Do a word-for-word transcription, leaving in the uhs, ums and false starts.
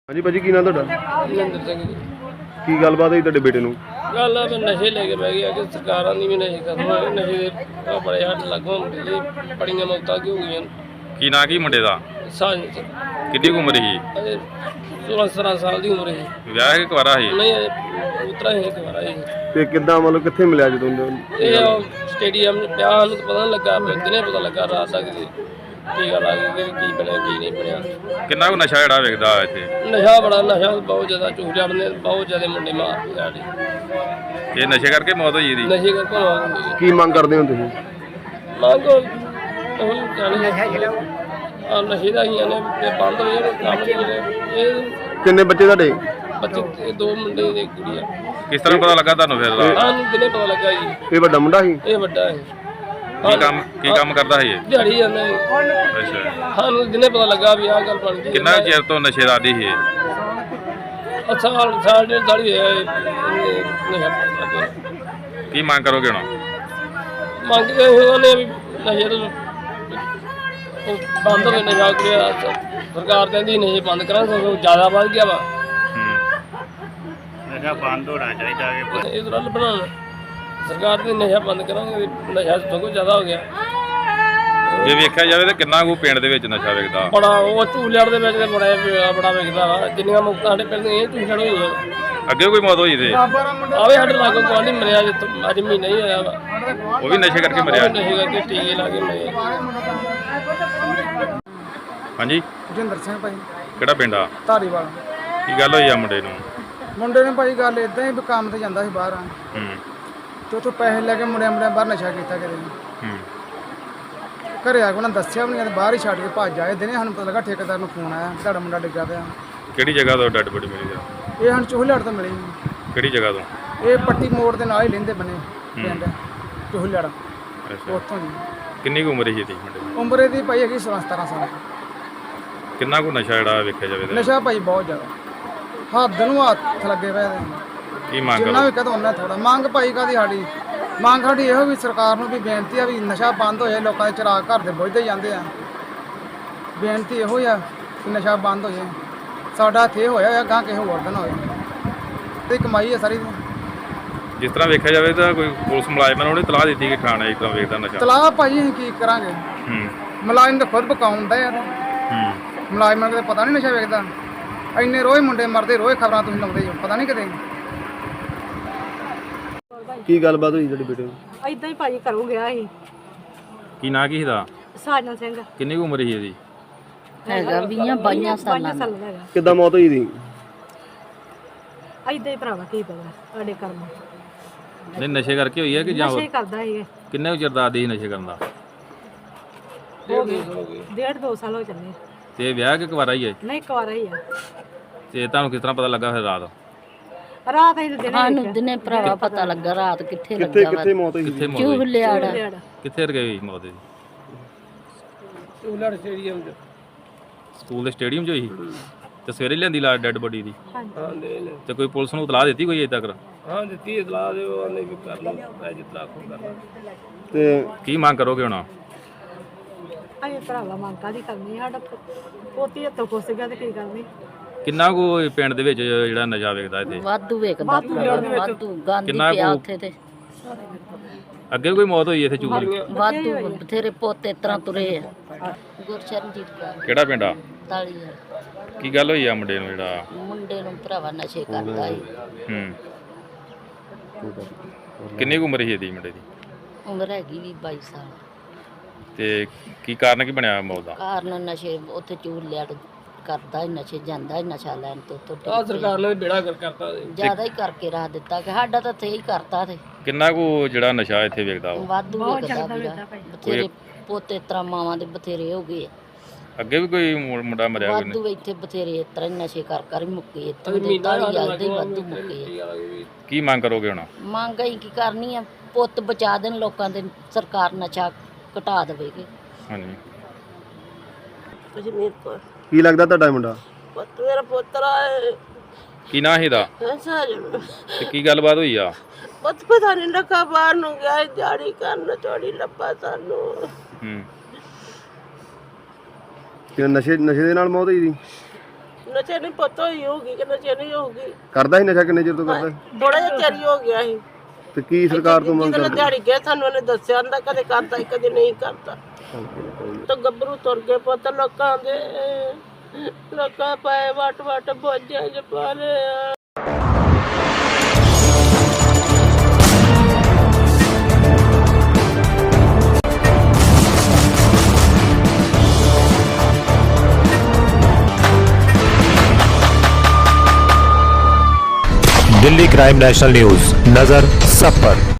हाँ जी भाजी की नाम तुहाडा? ਮਹਿੰਦਰ ਸਿੰਘ ਜੀ। की गलबात हुई तुहाडे बेटे नूं? ਗੱਲ ਆ ਵੀ ਨਸ਼ੇ ਲੈ ਕੇ ਬਹਿ ਗਿਆ ਕਿ ਸਰਕਾਰਾਂ ਦੀ ਵੀ ਨਸ਼ੇ ਖਤਮ ਹੋਏ ਨਸ਼ੇ ਦੇ ਆਹ ਬੜੇ ਹੱਥ ਲੱਗੋਂ ਇਹ ਬੜੀਆਂ ਮੌਤਾਂ ਕਿਉਂ ਹੋਈਆਂ ਕੀ ਨਾਂ ਕੀ ਮੁੰਡੇ ਦਾ? ਸਾਂਝ ਚ ਕਿੰਨੀ ਕੁ ਉਮਰ ਸੀ? ਅਜੇ ਸੋਲਾਂ ਸਤਾਰਾਂ ਸਾਲ ਦੀ ਉਮਰ ਹੈ ਵਿਆਹ ਕੇ ਕੁਆਰਾ ਸੀ? ਨਹੀਂ ਅਜੇ ਉਤਰਾ ਹੀ ਦੁਬਾਰਾ ਇਹ ਤੇ ਕਿੱਦਾਂ मतलब कित्थे मिलिया जदों ਇਹ ਉਹ ਸਟੇਡੀਅਮ ਚ ਪਿਆ ਸਾਨੂੰ ਤਾਂ ਪਤਾ ਨਹੀਂ ਲੱਗਾ ਦਿਨੇ ਪਤਾ ਲੱਗਾ ਰਾਤ ਤੱਕ ਜੀ ਟੀਕਾ ਲਾ ਕੇ ਕੀ ਬਣਿਆ ਕੀ ਨਹੀਂ ਬਣਿਆ। ਕਿੰਨਾ ਕੁ ਨਸ਼ਾ ਜਿਹੜਾ ਵੇਖਦਾ ਇੱਥੇ? ਨਸ਼ਾ ਬੜਾ ਨਸ਼ਾ ਬਹੁਤ ਜ਼ਿਆਦਾ ਚੂੜਿਆਂ ਨੇ ਬਹੁਤ ਜ਼ਿਆਦਾ ਮੁੰਡੇ ਮਾਰਦੇ ਸਾਡੇ ਇਹ ਨਸ਼ੇ ਕਰਕੇ ਮੌਤ ਹੋਈ ਇਹਦੀ? ਨਸ਼ੇ ਕਰਕੇ ਮੌਤ ਹੋਈ ਹੈ। की मांग करदे हो तुसीं? ਮੰਗ ਉਹ ਜਾਣੇ ਆ ਨਸ਼ੇ ਦਾ ਹੀ ਨੇ ਤੇ ਬੰਦ ਹੋ ਜਾਣ ਕੰਮ ਜਿਹੜੇ ਇਹ किन्ने बच्चे तुहाडे? ਬੱਚੇ ਤੇ ਦੋ ਮੁੰਡੇ ਤੇ ਇੱਕ ਕੁੜੀ ਆ। ਕਿਸ ਤਰ੍ਹਾਂ ਪਤਾ ਲੱਗਾ ਤੁਹਾਨੂੰ ਫਿਰ ਰਾਤ? ਸਾਨੂੰ ਦਿਨੇ ਪਤਾ ਲੱਗਾ ਜੀ ये वड्डा मुंडा ਸੀ? ਇਹ ਵੱਡਾ ਹੈ ਕੀ ਕੰਮ ਕੀ ਕੰਮ ਕਰਦਾ ਸੀ ਇਹ? ਦਿਹਾੜੀ ਜਾਂਦਾ ਹੈ। ਅੱਛਾ। ਸਾਨੂੰ ਦਿਨੇ ਪਤਾ ਲੱਗਾ ਵੀ ਆਹ ਗੱਲ ਬਣ ਗਈ। ਕਿੰਨਾ ਕੁ ਚਿਰ ਤੋਂ ਨਸ਼ੇ ਦਾ ਆਦੀ ਸੀ ਇਹ? ਅੱਛਾ ਸਾਲ ਸਾਲ ਡੇਢ ਸਾਲ ਹੀ ਹੋਇਆ ਇਹ ਨਸ਼ਾ ਕਰਦੇ। ਕੀ ਮੰਗ ਕਰੋਗੇ ਹੁਣ? ਮੰਗਦੇ ਉਹਨੇ ਵੀ ਨਸ਼ੇ ਤੋਂ ਉਹ ਬੰਦ ਹੋਵੇ ਨਸ਼ਾ ਕਰਿਆ ਸਰਕਾਰ ਕਹਿੰਦੀ ਨਸ਼ੇ ਬੰਦ ਕਰਾਂ ਸਗੋਂ ਜ਼ਿਆਦਾ ਵੱਧ ਗਿਆ ਵਾ ਹੂੰ। ਨਸ਼ਾ ਬੰਦ ਹੋਣਾ ਚਾਹੀਦਾ ਹੈ। ਇਹ ਤਰ੍ਹਾਂ ਬਣਾਉਣ ਸਰਕਾਰ ਦੇ ਨਸ਼ਾ ਬੰਦ ਕਰਾਂਗੇ ਨਸ਼ਾ ਸਗੋਂ ਜ਼ਿਆਦਾ ਹੋ ਗਿਆ। ਜੇ ਵੇਖਿਆ ਜਾਵੇ ਤਾਂ ਕਿੰਨਾ ਕੁ ਪਿੰਡ ਦੇ ਵਿੱਚ ਨਸ਼ਾ ਵੇਖਦਾ? ਬੜਾ ਉਹ ਝੂਲੜ ਦੇ ਵਿੱਚ ਬੜਾ ਬੜਾ ਵਿਕਦਾ ਵਾ ਜਿੰਨੀਆਂ ਮੁਕਤਾਂ ਸਾਡੇ ਪਿੰਡ ਦੀਆਂ ਇਹ ਝੂਲੜ ਹੋਈਆਂ। ਅੱਗੇ ਕੋਈ ਮੌਤ ਹੋਈ ਤੇ? ਆਵੇ ਸਾਡੇ ਲਾਗੋਂ ਕੋਈ ਨਹੀਂ ਮਰਿਆ ਜਿੱਤ ਅੱਜ ਮਹੀਨਾ ਹੀ ਹੋਇਆ ਵਾ ਉਹ ਵੀ ਨਸ਼ੇ ਕਰਕੇ ਮਰਿਆ? ਨਸ਼ੇ ਕਰਕੇ ਟੀਕੇ ਲਾ ਕੇ ਮਰਿਆ। ਹਾਂਜੀ। ਜਿੰਦਰ ਸਿੰਘ ਭਾਈ ਕਿਹੜਾ ਪਿੰਡ ਆ? ਧਾਰੀਵਾਲ। ਕੀ ਗੱਲ ਹੋਈ ਆ ਮੁੰਡੇ ਨੂੰ? ਮੁੰਡੇ ਨੇ ਭਾਈ ਗੱਲ ਇਦਾਂ ਹੀ ਵੀ ਕੰਮ ਤੇ ਜਾਂਦਾ ਸੀ ਬਾਹਰ ਹੂੰ ਤੇ ਉੱਥੋਂ ਪੈਸੇ ਲੈ ਕੇ ਮੁੰਡਿਆਂ ਮੁੰਡਿਆਂ ਬਾਹਰ ਨਸ਼ਾ ਕੀਤਾ ਕਿਤੇ ਹੂੰ। ਘਰੇ ਆ ਕੇ ਉਹਨਾਂ ਦੱਸਿਆ ਵੀ ਨਹੀਂ ਤੇ ਬਾਹਰ ਹੀ ਛੱਡ ਕੇ ਭੱਜ ਆਏ ਦਿਨੇ ਸਾਨੂੰ ਪਤਾ ਲੱਗਾ ਠੇਕੇਦਾਰ ਨੂੰ ਫੋਨ ਆਇਆ ਤੁਹਾਡਾ ਮੁੰਡਾ ਡਿੱਗਾ ਪਿਆ। ਕਿਹੜੀ ਜਗ੍ਹਾ ਤੋਂ ਡੈਡ ਬੋਡੀ ਮਿਲੀ ਆ? ਇਹ ਸਾਨੂੰ ਚੋਹਲੜ ਤੋਂ ਮਿਲੀ ਕਿਹੜੀ ਜਗ੍ਹਾ ਤੋਂ? ਇਹ ਪੱਟੀ ਮੋੜ ਦੇ ਨਾਲ ਹੀ ਲੈਂਦੇ ਬਣੇ ਪਿੰਡ ਚੋਹਲੜ ਅੱਛਾ। ਉੱਥੋਂ ਜੀ। ਕਿੰਨੀ ਕੁ ਉਮਰ ਸੀ ਇਹਦੀ ਮੁੰਡੇ ਦੀ? ਉਮਰ ਇਹਦੀ ਭਾਈ ਹੈਗੀ ਸੋਲਾਂ ਸਤਾਰਾਂ ਸਾਲ। ਕਿੰਨਾ ਕੁ ਨਸ਼ਾ ਜਿਹੜਾ ਵੇਖਿਆ ਜਾਵੇ ਤਾਂ? ਨਸ਼ਾ ਭਾਈ ਬਹੁਤ ਜ਼ਿਆਦਾ ਹੱਦ ਨੂੰ ਹੱਥ ਲੱਗੇ ਪਏ ਇਹਦੇ। ਕੀ ਮੰਗ ਜਿੰਨਾ ਕਰੋ? ਵੀ ਕਦੋਂ ਉਹਨਾਂ ਥੋੜਾ ਮੰਗ ਭਾਈ ਕਾਦੀ ਸਾਡੀ ਮੰਗ ਸਾਡੀ ਇਹੋ ਵੀ ਸਰਕਾਰ ਨੂੰ ਵੀ ਬੇਨਤੀ ਆ ਵੀ ਨਸ਼ਾ ਬੰਦ ਹੋ ਜਾਏ ਲੋਕਾਂ ਦੇ ਚਿਰਾਗ ਘਰ ਦੇ ਬੁੱਝਦੇ ਜਾਂਦੇ ਆ। ਬੇਨਤੀ ਇਹੋ ਹੀ ਆ ਕਿ ਨਸ਼ਾ ਬੰਦ ਹੋ ਜਾਏ ਸਾਡਾ ਇੱਥੇ ਹੋਇਆ ਆ ਗਾਂ ਕਿਸੇ ਹੋਰ ਦਿਨ ਹੋਏ ਤੇ ਕਮਾਈ ਆ ਸਾਰੀ। ਜਿਸ ਤਰ੍ਹਾਂ ਵੇਖਿਆ ਜਾਵੇ ਤਾਂ ਕੋਈ ਪੁਲਿਸ ਮੁਲਾਜ਼ਮਾਂ ਨੂੰ ਉਹਨੇ ਤਲਾਹ ਦਿੱਤੀ ਕਿ ਥਾਣੇ ਇਸ ਤਰ੍ਹਾਂ ਵੇਖਦਾ ਨਸ਼ਾ? ਤਲਾਹ ਭਾਈ ਅਸੀਂ ਕੀ ਕਰਾਂਗੇ ਹੂੰ ਮੁਲਾਜ਼ਮ ਤਾਂ ਖੁਦ ਪਕਾਉਂਦਾ ਯਾਰ ਹੂੰ। ਮੁਲਾਜ਼ਮਾਂ ਨੂੰ ਪਤਾ ਨਹੀਂ ਨਸ਼ਾ ਵੇਚਦਾ ਇੰਨੇ ਰੋਜ਼ ਮੁੰਡੇ ਮਰਦੇ ਰੋਜ਼ ਖਬਰਾਂ ਤੁਸੀਂ ਲਾਉਂਦੇ ਹੋ ਪਤਾ ਨਹੀਂ ਕਿਤੇ। की गलबात हुई तुहाडे बेटे नूं? ਇਦਾਂ ਹੀ ਭਾਜੀ ਘਰੋਂ ਗਿਆ ਸੀ ਕੀ ਨਾਂ ਕੀ ਇਹਦਾ? ਸਾਜਨ ਸਿੰਘ ਕਿੰਨੀ ਕੁ ਉਮਰ ਸੀ ਇਹਦੀ? ਹੈਗਾ ਵੀਹਾਂ ਬਾਈਆਂ ਸਾਲਾਂ ਦਾ ਹੈਗਾ। किद्दां मौत हुई दी? ਇਦਾਂ ਹੀ ਭਰਾਵਾ ਕੀ ਪਤਾ ਸਾਡੇ ਕਰਮ ਨਹੀਂ ਨਸ਼ੇ ਕਰਕੇ ਹੋਈ ਹੈ ਕਿ ਜਾਂ ਨਸ਼ੇ ਕਰਦਾ ਸੀ ਕਿੰਨੇ ਕੁ ਚਿਰ ਦਾ ਆਦੀ ਸੀ ਨਸ਼ੇ ਕਰਨ ਦਾ? ਹੋ ਗਏ ਡੇਢ ਦੋ ਸਾਲ ਹੋ ਚੱਲੇ ਤੇ ਵਿਆਹ ਕਿ ਕੁਵਾਰਾ ਹੀ ਹੈ? ਨਹੀਂ ਕੁਆਰਾ ਹੀ ਆ। ਤੇ ਤੁਹਾਨੂੰ ਕਿਸ ਤਰ੍ਹਾਂ ਪਤਾ ਲੱਗਾ ਫਿਰ ਰਾਤ? ਰਾਤ ਅਸੀਂ ਦਿਨੇ ਸਾਨੂੰ ਦਿਨੇ ਭਰਾਵਾ ਪਤਾ ਲੱਗਾ ਰਾਤ ਕਿੱਥੇ कित्थे ਲੱਗਾ ਵਾ कित्थे मौत हुई? ਕਿੱਥੇ ਮੌਤ ਹੋਈ? ਚੂਹਲਿਆੜ ਕਿੱਥੇ ਰਗੇ ਹੋਈ ਮੌਤ ਇਹਦੀ? ਝੂਲੜ ਸਟੇਡੀਅਮ ਚ ਸਕੂਲ ਦੇ ਸਟੇਡੀਅਮ 'ਚ ਹੋਈ ਸੀ? ਤੇ ਸਵੇਰੇ ਲਿਆਂਦੀ ਲਾ ਡੈਡ ਬੋਡੀ ਦੀ? ਹਾਂ ਦੇ ਲੈ ਤੇ ਕੋਈ ਪੁਲਿਸ ਨੂੰ ਇਤਲਾਹ ਦਿੱਤੀ ਕੋਈ ਅਜੇ ਤੱਕ? ਹਾਂ ਦਿੱਤੀ ਇਤਲਾਹ ਦੇ ਉਹਨੇ ਵੀ ਕਰ ਲਓ ਮੈਂ ਜਿਤਨਾ ਖੋ ਕਰਨਾ। ते ਕੀ ਮੰਗ ਕਰੋਗੇ ਹੁਣ? ਅਸੀਂ ਭਰਾਵਾ ਮੰਗ ਕਾਹਦੀ ਕਰਨੀ ਸਾਡਾ ਪੋ- ਪੋਤੀ ਹੱਥੋਂ ਖੁੱਸ ਗਿਆ ਤੇ ਕੀ ਕਰਨੀ। ਕਿੰਨਾ ਕੁ ਇਹ ਪਿੰਡ ਦੇ ਵਿੱਚ ਜਿਹੜਾ ਨਸ਼ਾ ਵੇਖਦਾ ਇੱਥੇ? ਵਾਧੂ ਵੇਖਦਾ ਭਰਾਵਾ, ਵਾਧੂ ਗਾਂਧੀ ਕਿੰਨਾ ਪਿਆ ਕੁ- ਉੱਥੇ ਤੇ ਅੱਗੇ ਕੋਈ ਮੌਤ ਹੋਈ ਇੱਥੇ ਚੂਰ? ਵਾਧੂ ਬਥੇਰੇ ਪੋਤੇ ਤਰ੍ਹਾਂ ਤੁਰੇ ਆ। ਗੁਰਸ਼ਰਨਜੀਤ ਕੌਰ ਕਿਹੜਾ ਪਿੰਡ ਆ? ਤਾਲੀ ਕੀ ਗੱਲ ਹੋਈ ਆ ਮੁੰਡੇ ਨੂੰ ਜਿਹੜਾ? ਮੁੰਡੇ ਨੂੰ ਭਰਾਵਾ ਨਸ਼ੇ ਕਰਦਾ ਸੀ। ਹੂੰ। ਕਿੰਨੀ ਕੁ ਉਮਰ ਸੀ ਇਹਦੀ ਮੁੰਡੇ ਦੀ? ਉਮਰ ਹੈਗੀ ਵੀ ਬਾਈ ਸਾਲ। ਤੇ ਕੀ ਕਾਰਨ ਕੀ ਬਣਿਆ ਮੌਤ ਦਾ? ਕਾਰਨ ਨਸ਼ੇ ਉੱਥੇ ਚੂਹਲਿਆੜ ਕਰਦਾ ਹੀ ਨਸ਼ੇ ਜਾਂਦਾ ਹੀ ਨਸ਼ਾ ਲੈਣ ਤੋਂ ਤੋਂ ਆਹ ਸਰਕਾਰ ਨੇ ਬੇੜਾ ਕਰ ਕਰਤਾ ਜੀ। ਜ਼ਿਆਦਾ ਹੀ ਕਰਕੇ ਰੱਖ ਦਿੱਤਾ ਕਿ ਸਾਡਾ ਤਾਂ ਇੱਥੇ ਹੀ ਕਰਤਾ ਤੇ ਕਿੰਨਾ ਕੁ ਜਿਹੜਾ ਨਸ਼ਾ ਇੱਥੇ ਵੇਖਦਾ ਉਹ? ਵਾਧੂ ਵੇਖਦਾ ਵੀਰਾ ਬਥੇਰੇ ਪੋਤੇ ਤਰ੍ਹਾਂ ਮਾਵਾਂ ਦੇ ਬਥੇਰੇ ਹੋ ਗਏ ਆ। ਅੱਗੇ ਵੀ ਕੋਈ ਮੁ- ਮੁੰਡਾ ਮਰਿਆ ਕੋਈ ਵਾਧੂ ਇੱਥੇ ਬਥੇਰੇ ਇਸ ਤਰ੍ਹਾਂ ਹੀ ਨਸ਼ੇ ਕਰ ਕਰ ਹੀ ਮੁੱਕੇ ਇੱਥੋਂ ਦੇ ਤਾਲੀ ਆਲਦੇ ਵਾਧੂ ਮੁੱਕੇ ਆ। ਕੀ ਮੰਗ ਕਰੋਗੇ ਹੁਣ? ਮੰਗ ਅਸੀਂ ਕੀ ਕਰਨੀ ਆ ਪੁੱਤ ਬਚਾ ਦੇਣ ਲੋਕਾਂ ਦੇ ਸਰਕਾਰ ਨਸ਼ਾ ਘਟਾ ਦੇਵੇਗੀ। ਹਾਂਜੀ। ਕਸ਼ਮੀਰ ਤੋਂ की लगदा तुहाडा मुंडा? ਪੁੱਤ ਮੇਰਾ ਪੁੱਤਰ ਆਏ ਕੀ ਨਾਂ ਸੀ ਇਹਦਾ? ਸਾਜਣ ਤੇ ਕੀ ਗੱਲਬਾਤ ਹੋਈ ਆ? ਪੁੱਤ ਪਤਾ ਨਹੀਂ ਲੱਗਾ ਬਾਹਰ ਨੂੰ ਗਿਆ ਦਿਹਾੜੀ ਕਰਨ ਥੋੜੀ ਲੱਭਾ ਸਾਨੂੰ। ਹੂੰ। कि नशे नशे दे नाल मौत हुई दी? ਨਸ਼ੇ ਨਹੀਂ ਪਤਾ ਹੀ ਹੋਊਗੀ ਕਿ ਨਸ਼ੇ ਨਹੀਂ ਹੋਊਗੀ। ਕਰਦਾ ਸੀ ਨਸ਼ਾ ਕਿੰਨੇ ਚਿਰ ਤੋਂ ਕਰਦਾ ਸੀ? ਥੋੜਾ ਜਿਹਾ ਚਿਰ ਹੀ ਹੋ ਗਿਆ ਸੀ। ਤੇ ਕੀ ਸਰਕਾਰ ਤੋਂ ਮੰਗ ਜਦੋਂ ਕਰਦੇ? ਦਿਹਾੜੀ ਗਿਆ ਸਾਨੂੰ ਉਹਨੇ ਦੱਸਿਆ ਹੁੰਦਾ ਕਦੇ ਕਰਦਾ ਸੀ, ਕਦੇ ਨਹੀਂ ਕਰਦਾ। ਤਾਂ ਗੱਭਰੂ ਤੁਰ ਗਏ ਪੁੱਤ ਲੋਕਾਂ ਦੇ, ਲੋਕਾਂ ਪਾਏ ਵਟ ਵਟ ਬੋਝਾਂ ਚ ਪਾ ਲਿਆ। दिल्ली क्राइम नेशनल न्यूज, नजर सब पर।